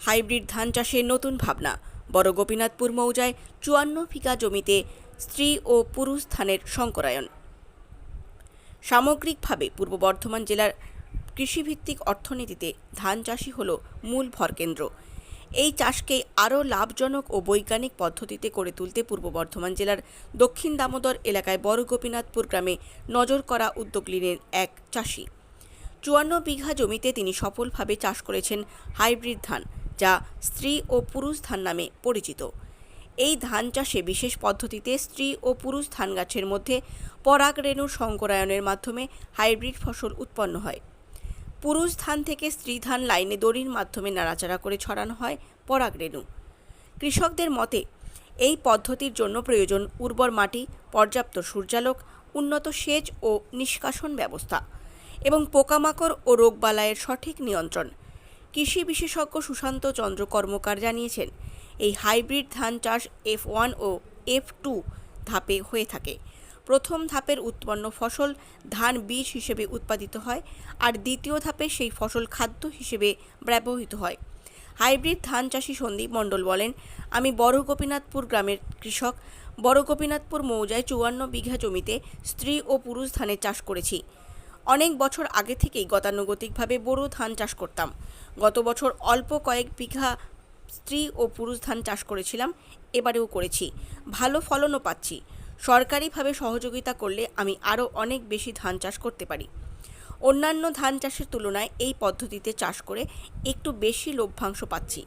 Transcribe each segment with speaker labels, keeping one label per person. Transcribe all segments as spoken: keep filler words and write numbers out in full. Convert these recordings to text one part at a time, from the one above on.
Speaker 1: Hybrid ধান চাষের নতুন ভাবনা। বড় গোপীনাথপুর মৌজায় চুয়ান্ন বিঘা জমিতে স্ত্রী ও পুরুষ ধানের সংকরায়ন। সামগ্রিকভাবে পূর্ব বর্ধমান জেলার কৃষিভিত্তিক অর্থনীতিতে ধান চাষই হল মূল ভরকেন্দ্র। এই চাষকে আরও লাভজনক ও বৈজ্ঞানিক পদ্ধতিতে করে তুলতে পূর্ব বর্ধমান জেলার দক্ষিণ দামোদর এলাকায় বড় গোপীনাথপুর গ্রামে নজর করা উদ্যোগ নিলেন এক চাষি। চুয়ান্ন বিঘা জমিতে তিনি সফলভাবে চাষ করেছেন হাইব্রিড ধান, যা স্ত্রী ও পুরুষ ধান নামে পরিচিত। এই ধান চাষে বিশেষ পদ্ধতিতে স্ত্রী ও পুরুষ ধান গাছের মধ্যে পরাগ রেণুর সংকরায়নের মাধ্যমে হাইব্রিড ফসল উৎপন্ন হয়। পুরুষ ধান থেকে স্ত্রী ধান লাইনে দড়ির মাধ্যমে নাড়াচাড়া করে ছড়ানো হয় পরাগ রেণু। কৃষকদের মতে এই পদ্ধতির জন্য প্রয়োজন উর্বর মাটি, পর্যাপ্ত সূর্যালোক, উন্নত সেচ ও নিষ্কাশন ব্যবস্থা এবং পোকামাকড় ও রোগবালাইয়ের সঠিক নিয়ন্ত্রণ। কৃষি বিশেষজ্ঞ সুশান্ত চন্দ্র কর্মকার জানিয়েছেন, এই হাইব্রিড ধান চাষ এফ ওয়ান ও এফ টু ধাপে হয়ে থাকে। প্রথম ধাপের উৎপন্ন ফসল ধান বীজ হিসেবে উৎপাদিত হয়, আর দ্বিতীয় ধাপে সেই ফসল খাদ্য হিসেবে ব্যবহৃত হয়। হাইব্রিড ধান চাষি সন্দীপ মণ্ডল বলেন, আমি বড় গোপীনাথপুর গ্রামের কৃষক। বড় গোপীনাথপুর মৌজায় চুয়ান্ন বিঘা জমিতে স্ত্রী ও পুরুষ ধানের চাষ করেছি। অনেক বছর আগে থেকেই গতানুগতিকভাবে বোরো ধান চাষ করতাম। গত বছর অল্প কয়েক বিঘা স্ত্রী ও পুরুষ ধান চাষ করেছিলাম, এবারেও করেছি। ভালো ফলনও পাচ্ছি। সরকারিভাবে সহযোগিতা করলে আমি আরও অনেক বেশি ধান চাষ করতে পারি। অন্যান্য ধান চাষের তুলনায় এই পদ্ধতিতে চাষ করে একটু বেশি লভ্যাংশ পাচ্ছি।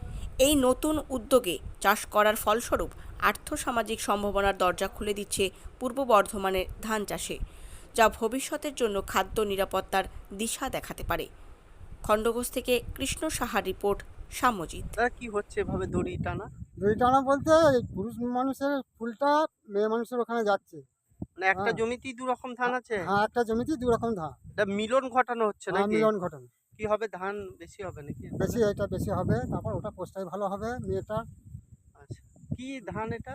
Speaker 1: এই নতুন উদ্যোগে চাষ করার ফলস্বরূপ আর্থসামাজিক সম্ভাবনার দরজা খুলে দিচ্ছে পূর্ব বর্ধমানের ধান চাষে, যা ভবিষ্যতের জন্য খাদ্য নিরাপত্তার দিশা দেখাতে পারে। খণ্ডঘোষ থেকে কৃষ্ণ সাহার রিপোর্ট, সাম্যজিৎ।
Speaker 2: কি হচ্ছে এভাবে দড়ি টানা?
Speaker 3: দড়ি টানা বলতে এই পুরুষ মানুষের ফুলটা মেয়ে মানুষের ওখানে যাচ্ছে।
Speaker 2: মানে একটা
Speaker 3: হ্যাঁ।
Speaker 2: জমিতেই দু রকম ধান আছে?
Speaker 3: হ্যাঁ, একটা জমিতেই দু রকম ধান।
Speaker 2: এটা মিলন ঘটানো হচ্ছে
Speaker 3: হ্যাঁ,
Speaker 2: নাকি?
Speaker 3: মিলন ঘটনা।
Speaker 2: কি হবে, ধান বেশি হবে নাকি?
Speaker 3: বেশি এটা বেশি হবে, তারপর ওটা পোস্টাই ভালো হবে মেয়েটা।
Speaker 2: আচ্ছা, কি ধান এটা?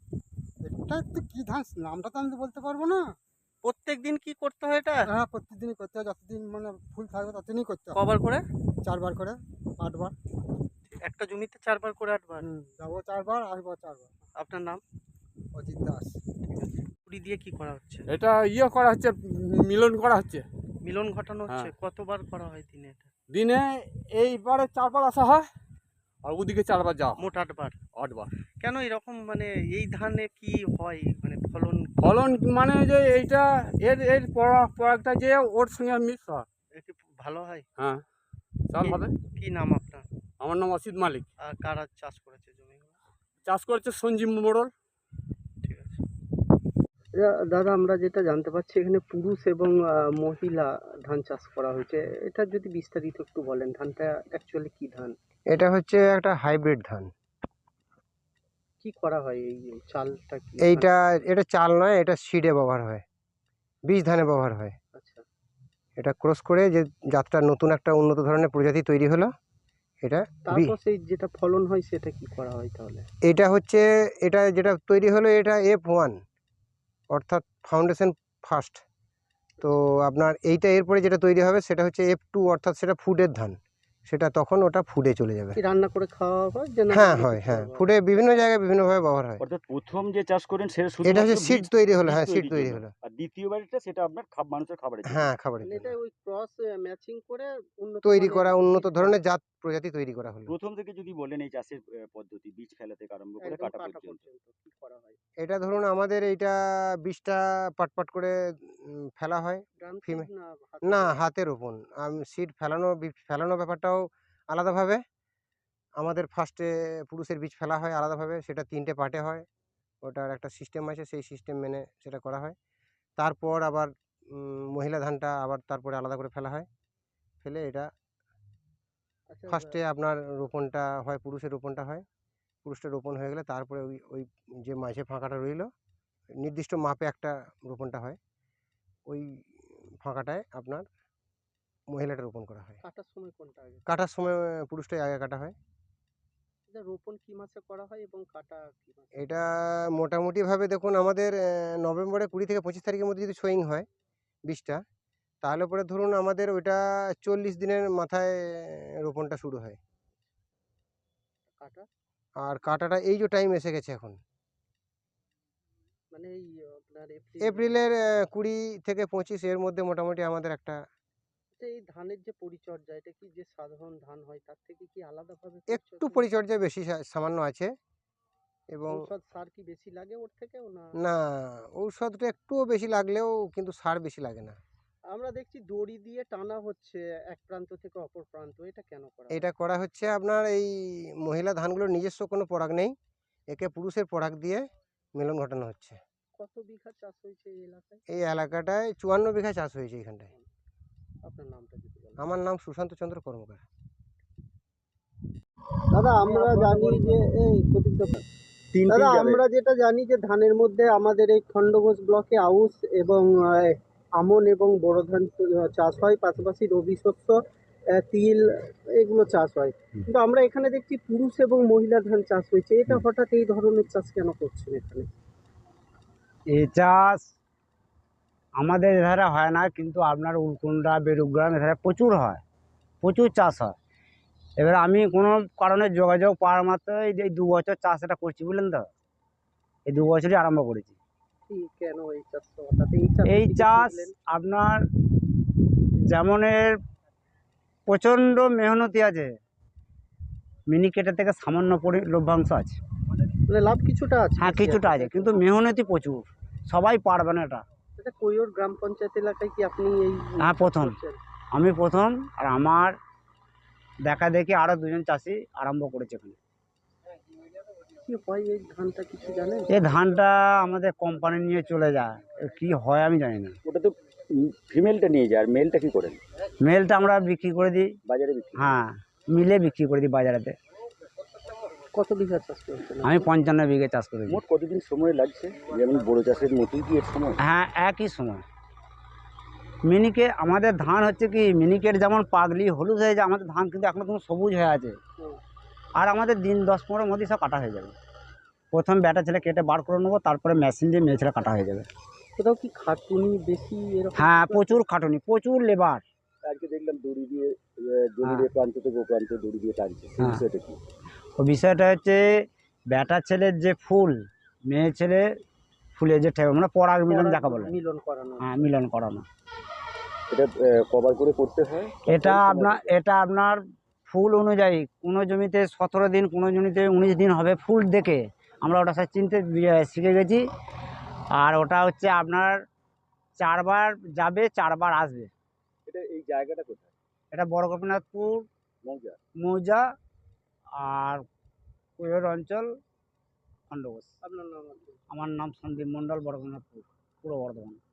Speaker 3: এটা তো কি ধান নামটা তো আমি তো বলতে পারবো না।
Speaker 2: প্রত্যেক দিন কি করতে হয় এটা?
Speaker 3: হ্যাঁ, প্রতিদিনই করতে হয়, যতদিন মানে ফুল থাকবে ততদিনই করতে হবে।
Speaker 2: কবার করে?
Speaker 3: চারবার করে, আটবার।
Speaker 2: একটা জমিতে চারবার করে আটবার?
Speaker 3: হুম, যাবো চারবার, আসবো চারবার।
Speaker 2: আপনার নাম?
Speaker 3: অজিত দাস।
Speaker 2: কুড়ি দিয়ে কি করা হচ্ছে?
Speaker 4: এটা ইয়ে করা হচ্ছে, মিলন করা হচ্ছে।
Speaker 2: মিলন ঘটানো হচ্ছে।
Speaker 4: হ্যাঁ।
Speaker 2: কতবার করা হয় দিনে এটা?
Speaker 4: দিনে এইবারে চারবার আসা হয়, আর ওদিকে চারবার যাওয়া হয়।
Speaker 2: মোট আটবার?
Speaker 4: আটবার।
Speaker 2: কেন এরকম, মানে এই ধানে কি হয়, মানে ফলন?
Speaker 4: ফলন মানে যে এইটা এর এর পরাগ পরাগটা যে ওর সঙ্গে মিক্স হয়।
Speaker 2: এ কি ভালো হয়?
Speaker 4: হ্যাঁ, চাল হবে।
Speaker 2: কি নাম আপনার?
Speaker 4: আমার নাম অসিত মালিক।
Speaker 2: আর কারা চাষ করেছে জমিগুলো?
Speaker 4: চাষ করছে সঞ্জীব মোড়ল।
Speaker 2: ঠিক আছে। দাদা, আমরা যেটা জানতে পারছি এখানে পুরুষ এবং আহ, মহিলা ধান চাষ করা হয়েছে, এটা যদি বিস্তারিত একটু বলেন। ধানটা অ্যাকচুয়ালি কি ধান?
Speaker 5: এটা হচ্ছে একটা হাইব্রিড ধান।
Speaker 2: কি করা হয় এই চালটা? কি
Speaker 5: এইটা এটা চাল নয়, এটা সিডে ব্যবহার হয়, বীজ ধানে ব্যবহার হয়।
Speaker 2: আচ্ছা,
Speaker 5: এটা ক্রস করে যে জাতটা নতুন একটা উন্নত ধরনের প্রজাতি তৈরি হলো, এটা বি-
Speaker 2: তারপর সেই যেটা ফলন হয় সেটা কি করা হয় তাহলে?
Speaker 5: এটা হচ্ছে এটা যেটা তৈরি হলো এটা এফ ওয়ান, অর্থাৎ ফাউন্ডেশন ফার্স্ট। তো আপনার এইটা এরপরে যেটা তৈরি হবে সেটা হচ্ছে এফ টু, অর্থাৎ সেটা ফুডের ধান, সেটা তখন ওটা ফুডে চলে যাবে।
Speaker 2: কি রান্না করে খাওয়া হয় যে না?
Speaker 5: হ্যাঁ হয়, হ্যাঁ, ফুডে বিভিন্ন জায়গায় বিভিন্নভাবে ব্যবহার হয়।
Speaker 6: অর্থাৎ প্রথম যে চাষ করেন সেটা
Speaker 5: এটা
Speaker 6: শুধুমাত্র
Speaker 5: হচ্ছে সিড
Speaker 6: বীজ
Speaker 5: তৈরি হলো,
Speaker 6: বীজ
Speaker 5: হ্যাঁ, সিড
Speaker 6: তৈরির
Speaker 5: তৈরি
Speaker 6: জন্য।
Speaker 5: হলো।
Speaker 6: আর দ্বিতীয়বারটা সেটা আপনার খাব মানুষের খাবারের জন্য।
Speaker 5: হ্যাঁ, খাবারের
Speaker 2: মানে
Speaker 5: জন্য
Speaker 2: এটা ওই ক্রস ম্যাচিং করে উন্নত
Speaker 5: তৈরি
Speaker 2: মানের
Speaker 5: করা
Speaker 2: বীজ
Speaker 5: উন্নত
Speaker 2: দেওয়া।
Speaker 5: ধরনের জাত প্রজাতি তৈরি করা হলো।
Speaker 6: প্রথম থেকে যদি বলেন এই চাষের আহ, পদ্ধতি, বীজ ফেলা থেকে আরম্ভ করে
Speaker 2: একদম
Speaker 6: কাটা
Speaker 2: কাটা
Speaker 6: পর্যন্ত।
Speaker 2: পর্যন্ত কি করা হয়?
Speaker 5: এটা ধরুন আমাদের এইটা বীজটা পাট পাট করে উম, ফেলা হয়।
Speaker 2: ড্রাম সিড
Speaker 5: ফিমে
Speaker 2: না হাতে
Speaker 5: না,
Speaker 2: দেওয়া?
Speaker 5: হাতে রোপণ। সিড ফেলানো, বীজ ফেলানো ব্যাপারটাও আলাদাভাবে। আমাদের ফার্স্টে পুরুষের বীজ ফেলা হয় আলাদাভাবে, সেটা তিনটে পার্টে হয়। ওটার একটা সিস্টেম আছে, সেই সিস্টেম মেনে সেটা করা হয়। তারপর আবার উম, মহিলা ধানটা আবার তারপরে আলাদা করে ফেলা হয়। ফেলে এটা
Speaker 2: আচ্ছা,
Speaker 5: ফার্স্টে আপনার রোপণটা হয়, পুরুষের রোপণটা হয়। পুরুষটা রোপণ হয়ে গেলে তারপরে ওই ওই যে মাঝে ফাঁকাটা রইলো, নির্দিষ্ট মাপে একটা রোপণটা হয়। ওই ফাঁকাটায় আপনার মহিলাটা রোপণ করা হয়।
Speaker 2: কাটার সময় কোনটা আগে?
Speaker 5: কাটার সময় পুরুষটাই আগে কাটা হয়।
Speaker 2: এটা রোপণ কি মাসে করা হয় এবং কাটা কি মাসে?
Speaker 5: এটা মোটামুটিভাবে দেখুন আমাদের আহ, নভেম্বরে কুড়ি থেকে পঁচিশ তারিখের মধ্যে যদি সোয়িং হয় বীজটা, তাহলে পরে ধরুন আমাদের ওইটা চল্লিশ দিনের মাথায় রোপণটা শুরু হয়।
Speaker 2: কাটা
Speaker 5: আর কাটাটা এই যে টাইম এসে গেছে এখন
Speaker 2: মানে এই আপনার এপ্রিল
Speaker 5: এপ্রিলের আহ, কুড়ি থেকে পঁচিশ এর মধ্যে মোটামুটি আমাদের একটা
Speaker 2: আচ্ছা, এই ধানের যে পরিচর্যা এটা কি যে সাধারণ ধান হয় তার থেকে কি আলাদাভাবে
Speaker 5: একটু
Speaker 2: পরিচর্যা?
Speaker 5: পরিচর্যা বেশি সা- সামান্য আছে এবং
Speaker 2: ঔষধ সার কি বেশি লাগে ওর থেকেও না?
Speaker 5: না ঔষধটা একটুও বেশি লাগলেও কিন্তু সার বেশি লাগে না।
Speaker 2: আমরা দেখছি দড়ি দিয়ে টানা হচ্ছে এক প্রান্ত থেকে অপর প্রান্ত, এটা কেন করা হয়?
Speaker 5: এটা করা হচ্ছে আপনার এই মহিলা ধানগুলোর নিজস্ব কোনো পরাগ নেই, একে পুরুষের পরাগ দিয়ে মিলন ঘটানো হচ্ছে।
Speaker 2: কত বিঘা চাষ হয়েছে এই এলাকায়?
Speaker 5: এই এলাকাটায় চুয়ান্ন বিঘা চাষ হয়েছে এইখানটায়।
Speaker 2: আপনার নামটা যদি বলেন।
Speaker 5: আমার নাম সুশান্ত চন্দ্র কর্মকার।
Speaker 2: দাদা আমরা জানি যে এই প্রদীপ দা, দাদা আমরা যেটা জানি যে ধানের মধ্যে আমাদের এই খণ্ডঘোষ ব্লকে আউশ এবং আহ, আমন এবং বোরো ধান চ- চাষ হয়, পাশাপাশি রবি শস্য আহ, তিল এগুলো চাষ হয়, কিন্তু আমরা এখানে দেখছি পুরুষ এবং মহিলা ধান চাষ হয়েছে, এটা হঠাৎ এই ধরনের চাষ কেন করছেন এখানে?
Speaker 7: এই চাষ আমাদের এধারে হয় না, কিন্তু আপনার উলকুন্ডা বেরুগ্রাম এধারে প্রচুর হয়, প্রচুর চাষ হয়। এবার আমি কোনো কারণে যোগাযোগ পাওয়ার মাত্রই এই দু বছর চাষ এটা করছি, বুঝলেন তো, এই দু বছরই আরম্ভ করেছি
Speaker 2: কি কেন এই চাষ হঠাৎ এই চাষ
Speaker 7: এই
Speaker 2: থেকে
Speaker 7: চাষ।
Speaker 2: করলেন?
Speaker 7: আপনার যেমনের প্রচণ্ড মেহনতি আছে, মিনিকেটের থেকে সামান্য পরি লভ্যাংশ আছে।
Speaker 2: মানে লাভ কিছুটা আছে?
Speaker 7: হ্যাঁ কিছুটা আছে, কিন্তু মেহনতি প্রচুর, সবাই পারবে না এটা।
Speaker 2: এটা কৈয়র গ্রাম পঞ্চায়েত এলাকায় কি আপনি এই
Speaker 7: হ্যাঁ, প্রথম।
Speaker 2: করছেন?
Speaker 7: আমি প্রথম, আর আমার দেখা দেখি আরও দুজন চাষি আরম্ভ করেছে এখানে।
Speaker 2: কি হয় এই ধানটা কিছু জানেন?
Speaker 7: এই ধানটা আমাদের কোম্পানি নিয়ে চলে যায়, এ কি হয় আমি জানি না।
Speaker 6: ওটা তো ফিমেলটা নিয়ে যায়, আর মেলটা কি করেন?
Speaker 7: মেলটা আমরা বিক্রি করে দিই,
Speaker 6: বাজারে বিক্রি করেন?
Speaker 7: হ্যাঁ মিলে বিক্রি করে দিই বাজারেতে।
Speaker 2: কত বিঘা চাষ করছেন?
Speaker 7: আমি পঞ্চান্ন বিঘে চাষ করি।
Speaker 6: মোট কতদিন সময় লাগছে, যেমন বড় চাষের মতোই কি এর সময়?
Speaker 7: হ্যাঁ একই সময়। মিনিকে আমাদের ধান হচ্ছে কি, মিনিকেট যেমন পাগলি হলুদ হয়ে যায়, আমাদের ধান কিন্তু এখনো কোনো সবুজ হয়ে আছে।
Speaker 2: হুম।
Speaker 7: আর আমাদের দিন দশ পনেরোর মধ্যেই সব কাটা হয়ে যাবে। প্রথম ব্যাটা ছেলে কেটে বার করে নেবো, তারপরে মেশিন দিয়ে মেয়ে ছেলে কাটা হয়ে যাবে।
Speaker 2: কোথাও কি খাটুনি বেশি এরকম?
Speaker 7: হ্যাঁ প্রচুর খাটুনি, প্রচুর লেবার।
Speaker 6: আজকে দেখলাম দড়ি দিয়ে আহ, জমির এ প্রান্ত থেকে ও প্রান্তে দড়ি দিয়ে টানছে, সেই
Speaker 7: হ্যাঁ।
Speaker 6: বিষয়টা কি?
Speaker 7: ও বিষয়টা হচ্ছে ব্যাটা ছেলের যে ফুল, মেয়ে ছেলে ফুলে যে ঠেবে মানে পরাগ মিলন যাকে বলে,
Speaker 2: মিলন করানো?
Speaker 7: হ্যাঁ মিলন করানো।
Speaker 6: এটা কভার করে করতে হয়?
Speaker 7: এটা আপনার এটা আপনার ফুল অনুযায়ী, কোনো জমিতে সতেরো দিন, কোনো জমিতে উনিশ দিন হবে, ফুল দেখে আমরা ওটা সব চিনতে বি- শিখে গেছি। আর ওটা হচ্ছে আপনার চারবার যাবে, চারবার আসবে।
Speaker 6: এটা এই জায়গাটা কোথায়?
Speaker 7: এটা বড় গোপীনাথপুর
Speaker 6: মৌজা?
Speaker 7: মৌজা আর কৈর অঞ্চল, খণ্ডঘোষ।
Speaker 2: আপনার নাম আছে?
Speaker 7: আমার নাম সন্দীপ মণ্ডল, বড় গোপীনাথপুর, পূর্ব বর্ধমান।